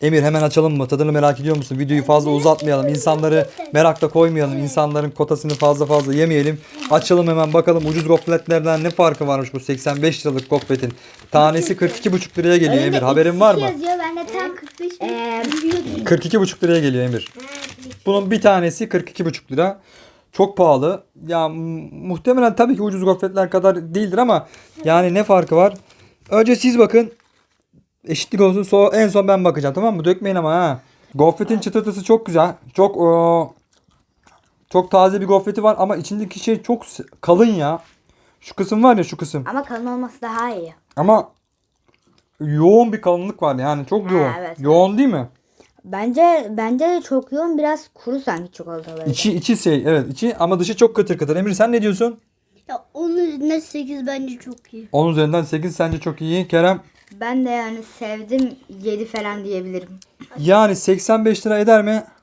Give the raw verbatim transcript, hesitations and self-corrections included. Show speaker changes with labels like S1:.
S1: Emir hemen açalım mı? Tadını merak ediyor musun? Videoyu fazla uzatmayalım. İnsanları merakta koymayalım. İnsanların kotasını fazla fazla yemeyelim. Açalım hemen bakalım ucuz gofretlerden ne farkı varmış bu seksen beş liralık gofretin. Tanesi kırk iki buçuk liraya geliyor Emir. Haberin var mı?
S2: Yazıyor. Ben de tam kırk beş biliyordum.
S1: kırk iki buçuk liraya geliyor Emir. Bunun bir tanesi kırk iki buçuk lira. Çok pahalı. Ya mu- muhtemelen tabii ki ucuz gofretler kadar değildir ama yani ne farkı var? Önce siz bakın. Eşitlik olsun. Sonra en son ben bakacağım, tamam mı? Dökmeyin ama ha. Gofretin çıtırtısı çok güzel. Çok o, çok taze bir gofreti var ama içindeki şey çok s- kalın ya. Şu kısım var ya, şu kısım.
S2: Ama kalın olması daha iyi.
S1: Ama yoğun bir kalınlık var yani, çok
S2: Ha,
S1: yoğun.
S2: evet,
S1: Yoğun değil mi?
S2: Bence bence de çok yoğun, biraz kuru sanki çikolataları.
S1: İçi içi şey, evet içi, ama dışı çok kıtır kıtır. Emir sen ne diyorsun?
S3: Ya onun üzerinden sekiz bence çok iyi.
S1: on üzerinden sekiz sence çok iyi. Kerem?
S2: Ben de yani sevdim, yedi falan diyebilirim.
S1: Yani seksen beş lira eder mi?